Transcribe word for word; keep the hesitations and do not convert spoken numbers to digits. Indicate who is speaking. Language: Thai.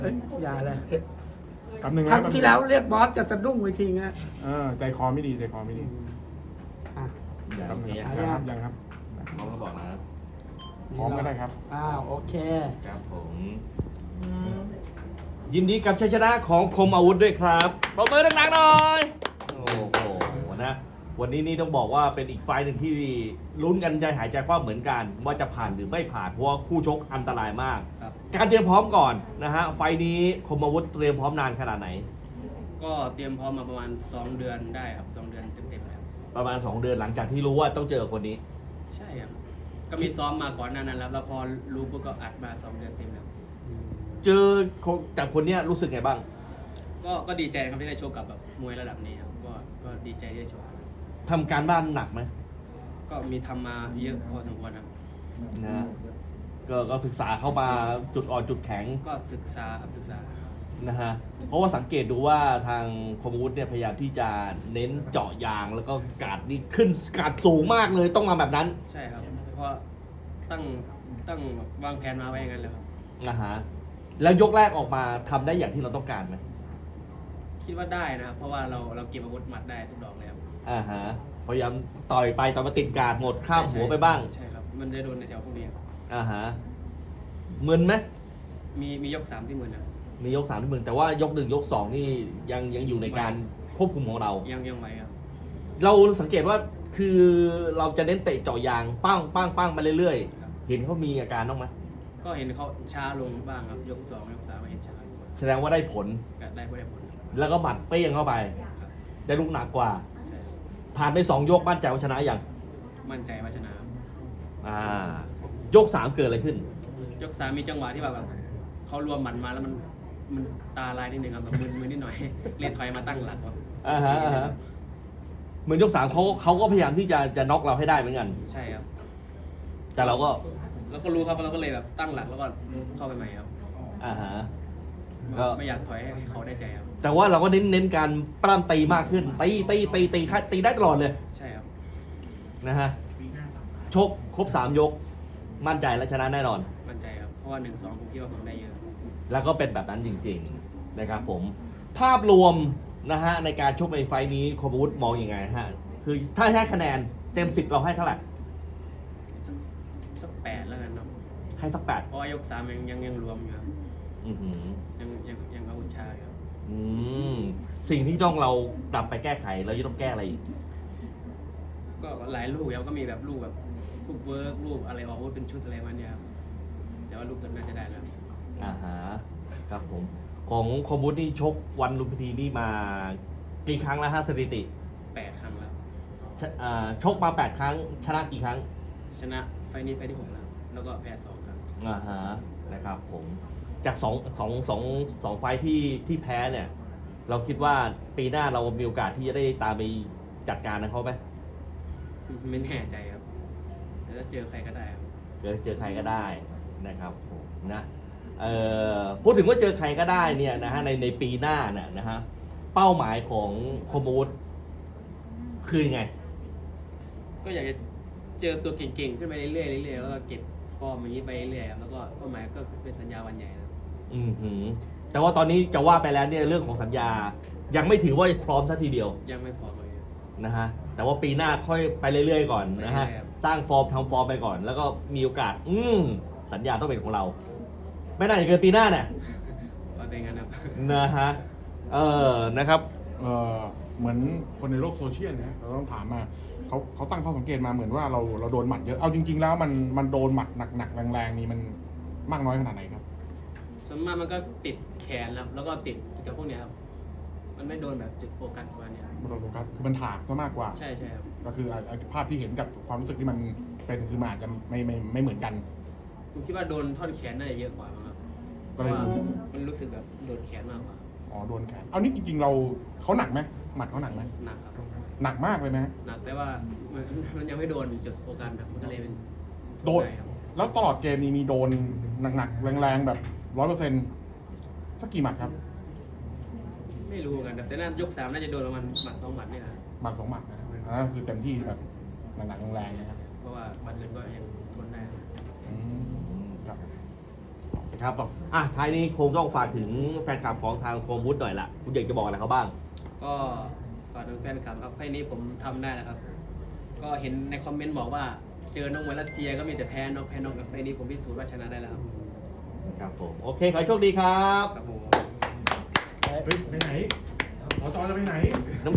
Speaker 1: เอ้ยอย่าเลย
Speaker 2: คำหนึ่ง
Speaker 1: ครั้งที่แล้วเรียกบอสจะสะดุ้งไปทีไง
Speaker 2: เออใจคอไม่ดีใจคอไม่ดี
Speaker 1: อ่ะ
Speaker 2: คำหนึ่ง
Speaker 1: ยัง
Speaker 2: ยังครับยังครับ
Speaker 3: พร้อมก็บอกนะครับ
Speaker 2: พร้อมก็ได้ครับ
Speaker 1: อ้าวโอเค
Speaker 3: ครับผม ยินดีกับชัยชนะของคมอาวุธด้วยครับปรบมือดังๆหน่อย โอ้โหนะ วันนี้นี่ต้องบอกว่าเป็นอีกไฟล์หนึ่งที่ลุ้นกันใจหายใจคว่ำเหมือนกัน ว่าจะผ่านหรือไม่ผ่านเพราะว่าคู่ชกอันตรายมาก
Speaker 4: ครับ
Speaker 3: การเตรียมพร้อมก่อนนะฮะไฟล์นี้คมอาวุธเตรียมพร้อมนานขนาดไหน
Speaker 4: ก็เตรียมพร้อมมาประมาณสองเดือนได้ครับสองเดือนเต็มๆแล้ว
Speaker 3: ประมาณ สอง เดือนหลังจากที่รู้ว่าต้องเจอคนนี้
Speaker 4: ใช่ครับก็มีซ้อมมาก่อนหนานั้นแล้วแล้วพอรู้ปุ๊บก็อัดมาสองเดือนเต็มแล้ว
Speaker 3: เจอจากคนเนี้ยรู้สึกไงบ้าง
Speaker 4: ก็ก็ดีใจนะครับที่ได้โชว์กับแบบมวยระดับนี้ครับก็ก็ดีใจที่ได้โชว์ครับ
Speaker 3: ทำการบ้านหนักไหม
Speaker 4: ก็มีทำมาเยอะพอสมควรครับ
Speaker 3: นะก็ก็ศึกษาเข้ามาจุดอ่อนจุดแข็ง
Speaker 4: ก็ศึกษาครับศึกษา
Speaker 3: นะฮะ เพราะว่าสังเกตดูว่าทางคมอาวุธเนี่ยพยายามที่จะเน้นเจาะยางแล้วก็การดนี่ขึ้นการดสูงมากเลยต้องมาแบบนั้น
Speaker 4: ใช่ครับเพราะตั้งตั้งวางแผนมาไว้อย่างนั้นเลยครับ
Speaker 3: นะฮะ แล้วยกแรกออกมาทำได้อย่างที่เราต้องการไหม
Speaker 4: คิดว่าได้นะครับเพราะว่าเราเราเก็บอาวุธหมัดได้ทุกดอกเลยครับ
Speaker 3: อ่าฮะ พยายามต่อยไปต่อมาติดการดหมดข้ามหัวไปบ้าง
Speaker 4: ใช่ครับมันจะโดนในแถวพวกนี้ครับ
Speaker 3: อ่าฮะมึนไหม
Speaker 4: มีมียกสามที่มือนะครับ
Speaker 3: มียกสามที่มึนแต่ว่ายกหนึ่งยกสองนี่ยังยังอยู่ในการควบคุมของเรา
Speaker 4: ยังยังไหวครับ
Speaker 3: เราสังเกตว่าคือเราจะเน้นเตะเจาะยางปั้งปั้งปั้งมาเรื่อย
Speaker 4: ครับ
Speaker 3: ๆ เห็นเขามีอาการบ้างไหม
Speaker 4: ก็เห็นเขาช้าลงบ้างครับยกสองยกสามเห็นช้าลง
Speaker 3: แสดงว่าได้ผล
Speaker 4: ก็ได้ไม่ได้ผลครับ
Speaker 3: แล้วก็หมัดเปี้ยงเข้าไป
Speaker 4: ครับ
Speaker 3: ได้ลูกหนักกว่า
Speaker 4: ใช่
Speaker 3: ผ่านไปสองยกมั่นใจว่าชนะอย่าง
Speaker 4: มั่นใจว่าชนะ
Speaker 3: อ่ายกสามเกิดอะไรขึ้น
Speaker 4: ยกสามมีจังหวะที่แบบเขารวมหมัดมาแล้วมันมันตาลายนิดนึงครับแบบมึนมึนนิดหน่อย เรียกถอยมาตั้งหลักครับ
Speaker 3: อ่าฮะอ่าฮะเหมือนยกสามเขาเขาก็พยายามที่จะจะน็อกเราให้ได้เหมือนกัน
Speaker 4: ใช่ครับ
Speaker 3: แต่เราก็
Speaker 4: แล้วก็รู้ครับเราก็เลยแบบตั้งหลักแล้วก็เข้าไปใหม่ครับ
Speaker 3: อ่าฮะก็
Speaker 4: ไม่อยากถอยให้เขาได้ใจครับ
Speaker 3: แต่ว่าเราก็เน้นเน้นการปล้ำตีมากขึ้นตีตีตีตีตีตีได้ตลอดเลย
Speaker 4: ใช่ครับ
Speaker 3: นะฮะชกครบสามยก มั่นใจและชนะแน่นอน
Speaker 4: มั่นใจครับเพราะว่าหนึ่งสองผมคิดว่าผมได้เยอะ
Speaker 3: แล้วก็เป็นแบบนั้นจริงๆนะครับผมภาพรวมนะฮะในการชกในไฟล์นี้คมอาวุธมองอยังไงฮะคือถ้าให้คะแนนเต็มสิบเราให้เท่าไหร่
Speaker 4: สักสักแปดแล้วกันเนาะ
Speaker 3: ให้สักแปด
Speaker 4: เพราะว่ายกสามยังยังยังรวมอยู่ครับ
Speaker 3: อือหือ
Speaker 4: ยังยังยังอาวุธช้าอยู่ครับ
Speaker 3: อืมสิ่งที่ต้องเราปรับไปแก้ไขเราจะต้องแก้อะไรอีก
Speaker 4: ก็หลายลูกครับก็มีแบบลูกแบบลูกเวิร์กลูกอะไรออกอาวุธเป็นชุดอะไรมาเนี่ยครับแต่ว่าลูกเกินน่าจะได้แล้ว
Speaker 3: อ่าฮะครับผมของคมอาวุธนี่ชกวันลุมพินีนี่มากี่ครั้งแล้วฮะสถิติ
Speaker 4: แปดครั้งแล้ว
Speaker 3: ชอ่าชกมาแปดครั้ง ชนะกี่ครั้ง
Speaker 4: ชนะไฟล์นี้ไฟล์ที่หกแล้วแล้วก็แพ้สองครั้ง
Speaker 3: อ่าฮะนะครับผมจากสองสองสองสองไฟท์ที่ที่แพ้เนี่ย เราคิดว่าปีหน้าเรามีโอกาสที่จะได้ตามไปจัดการนะเขาไหม
Speaker 4: ไม่แน่ใจครับแต่ถ้าเจอใครก็ได้ครับ
Speaker 3: เจอเจอใครก็ได้นะครับผมนะเอ่อพูดถึงว่าเจอใครก็ได้เนี่ยนะฮะในในปีหน้าเนี่ยนะฮะเป้าหมายของคมอาวุธคือยังไง
Speaker 4: ก็อยากจะเจอตัวเก่งๆขึ้นไปเรื่อยๆเรื่อยๆแล้วก็เก็บฟอร์มอย่างนี้ไปเรื่อยๆครับแล้วก็เป้าหมายก็เป็นสัญญาวันใหญ่ครับ
Speaker 3: อืมหือแต่ว่าตอนนี้จะว่าไปแล้วเนี่ยเรื่องของสัญญา ยังไม่ถือว่าพร้อมซะทีเดียว
Speaker 4: ยังไม่พร้อมเลยครับ
Speaker 3: นะฮะแต่ว่าปีหน้าค่อยไปเรื่อยๆก่อนนะฮะ
Speaker 4: ไปเรื่อยๆครับ
Speaker 3: สร้างฟอร์มทำฟอร์มไปก่อน แล้วก็มีโอกาส อืมสัญญาต้องเป็นของเรา ไม่น่าจะเกินปีหน้าเนี่ย
Speaker 4: ว่าเป็นงั้นครับ
Speaker 3: นะฮะเออนะครับ
Speaker 2: เอ่อเหมือนคนในโลกโซเชียลนะเราต้องถามมาเขาเขาตั้งข้อสังเกตมาเหมือนว่าเราเราโดนหมัดเยอะเอาจริง ๆ แล้วมันมันโดนหมัดหนักๆแรงๆนี่มันมากน้อยขนาดไหนครับ
Speaker 4: ส่วนมากมันก็ติดแขนครับแล้วก็ติดกับพวกเนี้ยครับมันไม่โดนแบบจุดโฟกัสประมาณเนี้ยครับ
Speaker 2: มันโดนโฟกัสคือมันถากซะมากกว่า
Speaker 4: ใช่ใช่ครับ
Speaker 2: ก็คืออ่ะอ่ะภาพที่เห็นกับความรู้สึกที่มันเป็นคือมันอาจจะไม่ไม่ไม่เหมือนกัน
Speaker 4: ผมคิดว่าโดนท่อนแขนน่าจะเยอะกว่ามั้งครับเพ
Speaker 2: ก็
Speaker 4: ราะ
Speaker 2: เลย
Speaker 4: ว่ามันรู้สึกแบบโดนแขนมากกว่า
Speaker 2: อ๋อโดนแขนเอานี่จริงๆเราเขาหนักไหมหมัดเขาหนักไหม
Speaker 4: หนักครับ
Speaker 2: หนักมากเลยไหม
Speaker 4: หนักแต่ว่ามันมันยังไม่โดนจุดโฟกัสครับมันก็เลยเป็น
Speaker 2: โดน
Speaker 4: ครับ
Speaker 2: แล้วตลอดเกมนี้มีโดนหนักๆแรงๆแบบร้อยเปอร์เซ็นต์สักกี่หมัดครับ
Speaker 4: ไม่รู้เหมือนกันครับแต่น่ายกสามน่าจะโดนประมาณหมัดสองหมัดเนี่ยนะ
Speaker 2: หมัดสองหมัดนะอันนั้นคือเต็มที่แบบหนักๆแรงๆนะครับ
Speaker 4: เพราะว่าหมัดอื่นก็ยังทนได้
Speaker 2: อืมครับ
Speaker 3: นะครับอ่ะท้ายนี้คงต้องฝากถึงแฟนคลับของทางโคมวุฒิหน่อยละคุณอยากจะบอกอะไรเขาบ้าง
Speaker 4: ก็ฝากถึงแฟนคลับครับไฟล์นี้ผมทำได้แล้วครับ ก็เห็นในคอมเมนต์บอกว่าเจอน้องมวยรัสเซียก็มีแต่แพ้น้องแพ้น้องกับไฟล์นี้ผมพิสูจน์ว่าชนะได้แล้วครับ
Speaker 3: ครับผม โอเค ขอให้โชคดีครับ
Speaker 4: ครับผม
Speaker 2: เฮ้ยไปไหนหมอจอจะไปไหน